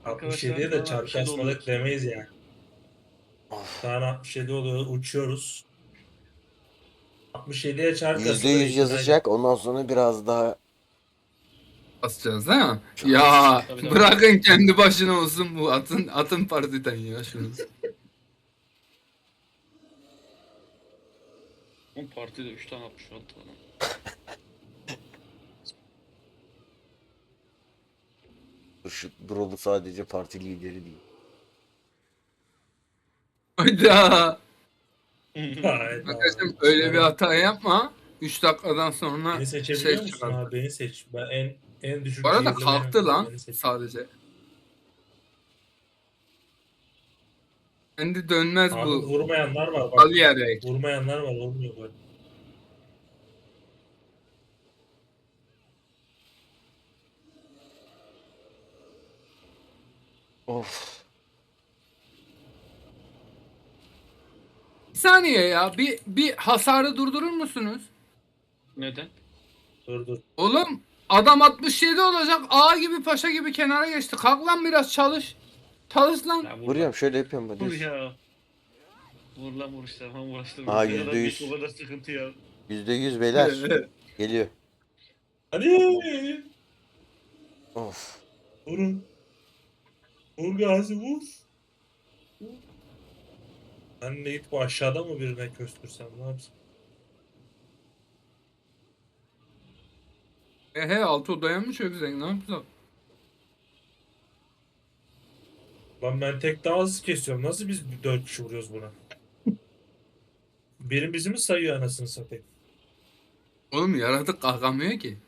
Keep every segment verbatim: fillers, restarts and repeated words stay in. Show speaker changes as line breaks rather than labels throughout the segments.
altmış
Arkadaşlar
yediye de
falan
çarpı
altmış yedi oluyor.
açmadık demeyiz yani.
Of.
Tane altmış yedi oluyor, uçuyoruz. altmış yediye çark
Yüzde
asılır
yüz
itinayla.
yazacak. Ondan sonra biraz daha
Basacağız değil mi?
çok az.
Ya
Tabii tabii.
bırakın kendi başına olsun bu atın atın partiden ya şunu.
on partide üç tane altmış altı tane.
Şu Brolu sadece parti lideri değil.
Hayda.
Hayda.
Arkadaşım öyle bir hata yapma. üç dakikadan sonra
Beni seçebiliyor
ses
musun
çıkar.
abi? Beni seç. Ben en en düşük
Bu arada
cihirli
kalktı
benim.
lan
Beni seç.
sadece. Kendi dönmez
Abi
bu.
vurmayanlar var bak.
Kaliyerek.
Vurmayanlar var, olmuyor böyle.
Of.
Bir saniye ya. Bir, bir hasarı durdurur musunuz?
Neden?
Dur dur.
Oğlum adam altmış yedi olacak. A gibi paşa gibi kenara geçti. Kalk lan biraz çalış. Çalış lan.
Ya vur
Vuruyorum
lan.
şöyle yapıyorum ben.
Vur
Düz.
ya. Vur lan vur işte. Tamam uğraştırma.
Aa,
Ne kadar
yüzde
büyük,
yüz.
o kadar sıkıntı ya.
Yüzde yüz beyler. Geliyor.
Hadi.
Of.
Vurun. Vur Gazi vur. Vur. Ben de git bu aşağıda mı birine köstürsem ne yapsam?
He he altı odaya mı çökeceksin? Ne yapacak?
Lan ben tek daha hızlı kesiyorum. Nasıl biz dört kişi vuruyoruz buna? Biri bizi mi sayıyor anasını satayım?
Oğlum yaratık kalkamıyor ki.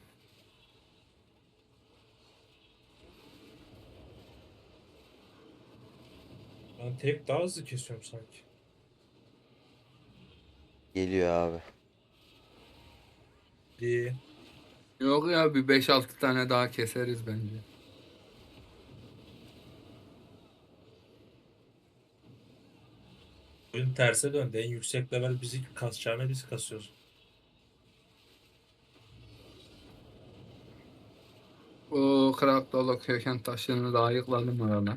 Ben tek daha hızlı kesiyorum sanki.
Geliyor abi.
Diye.
Yok ya bir beş altı tane daha keseriz bence.
Oyun terse döndü. En yüksek level bizi kasacağına biz kasıyoruz.
O krak dolu köken taşlarını da ayıkladım orada.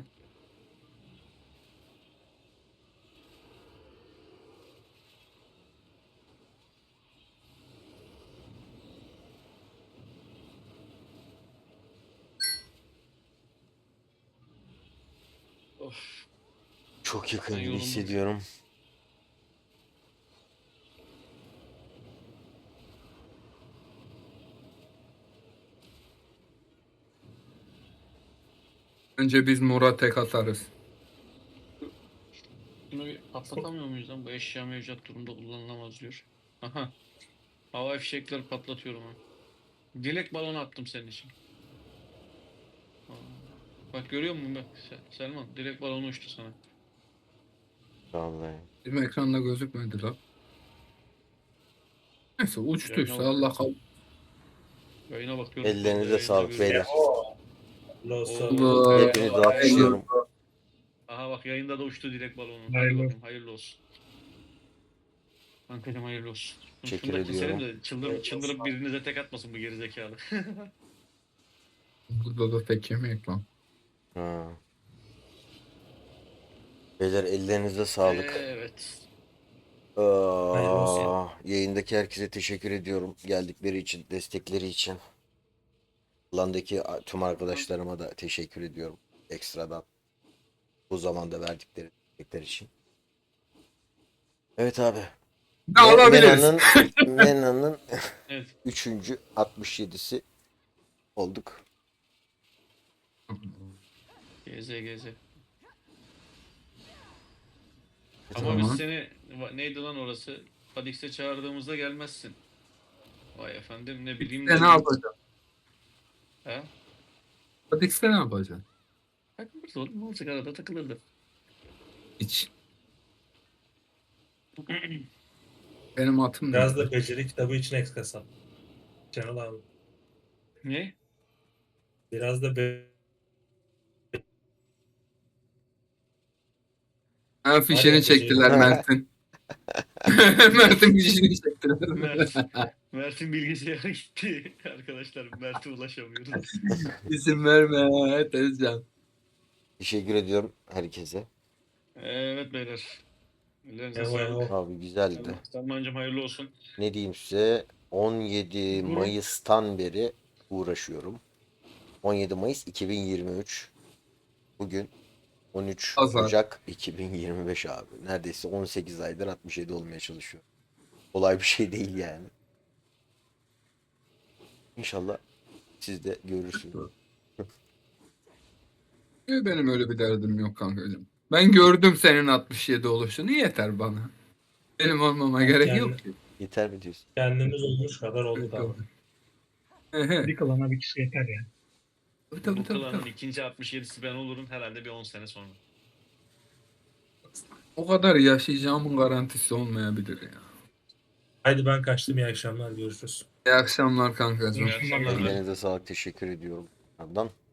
Of.
Çok yakın
Ben
gibi
yoruldum.
hissediyorum.
Önce biz Murat tek atarız.
Bunu bir patlatamıyor muyuz lan? Bu eşya mevcut durumda kullanılamaz diyor. Aha. Hava fişekleri patlatıyorum ha. Dilek balonu attım senin için. Aa. Bak görüyor musun bak Se- Selman? Dilek balonu uçtu sana.
Vallahi.
Bizim ekranda gözükmedi lan. Neyse uçtuysa
Yayına
Allah
bak.
kabul.
Yayına bakıyorum.
Ellerinize
Yayında
sağlık
görüyorum.
beyler.
Losa.
Oo.
Hepinizi alkışlıyorum.
Aha bak yayında da uçtu direkt balonu. Hadi
Hayırlı.
bakayım hayırlı olsun. Kankacım hayırlı olsun.
Teşekkür
Şunu da keselim
ediyorum.
de çıldır, çıldırıp birinize tek atmasın bu gerizekalı.
Burada da tek yemek lan.
Ha. Beyler ellerinize sağlık.
Evet.
Hayırlı
Aa,
olsun.
yayındaki herkese teşekkür ediyorum. Geldikleri için, destekleri için. Landaki tüm arkadaşlarıma da teşekkür ediyorum. Ekstradan. Bu zamanda verdikleri destekler için. Evet abi.
Ne alabiliriz?
Mena'nın Mena'nın
Evet.
üçüncü altmış yedisi olduk.
Geze geze.
Tamam.
Ama biz
Tamam.
seni va- neydi lan orası? Fadix'e çağırdığımızda gelmezsin. Vay efendim ne bileyim
Sen ne yapacaksın?
Ha?
Hadi sen ne yapacaksın?
Takılırdı oğlum ne olacak arada takılırdı.
Hiç. Benim atım ne?
Biraz da beceri kitabı için eks kasap. Canıl abi.
Ne?
Biraz da be
Ha, fişini
Hadi
çektiler
beceri.
Mert'in. Mert'in fişini çektiler.
Mert. Mert'in bilgisayarı gitti. Arkadaşlar Mert'e ulaşamıyoruz.
İsim verme Tezcan.
Teşekkür ediyorum herkese.
Evet beyler. Ellerinize
Eyvah,
sağlık.
eyvah.
Abi güzeldi.
Salmancım hayırlı olsun.
Ne diyeyim size? on yedi Mayıs'tan beri uğraşıyorum. on yedi Mayıs iki bin yirmi üç. Bugün on üç
Pazar.
Ocak iki bin yirmi beş abi. Neredeyse on sekiz aydır altmış yedi olmaya çalışıyor. Kolay bir şey değil yani. İnşallah siz de görürsünüz.
Benim öyle bir derdim yok kankacığım. Ben gördüm senin altmış yedi oluşunu, yeter bana. Benim olmama gerek
Yani-
yok ki.
Yeter mi diyorsun?
Kendimiz olmuş kadar olduk abi.
Ehe.
Bir klana bir kişi yeter ya.
Tabii tabii
Bu
tabii.
klanın
tabii.
ikinci altmış yedisi ben olurum herhalde bir on sene sonra.
O kadar yaşayacağımın garantisi olmayabilir ya.
Haydi ben kaçtım, iyi akşamlar, görüşürüz.
İyi akşamlar kankacığım.
İyi akşamlar.
Ellerinize sağlık. Teşekkür ediyorum. Adnan.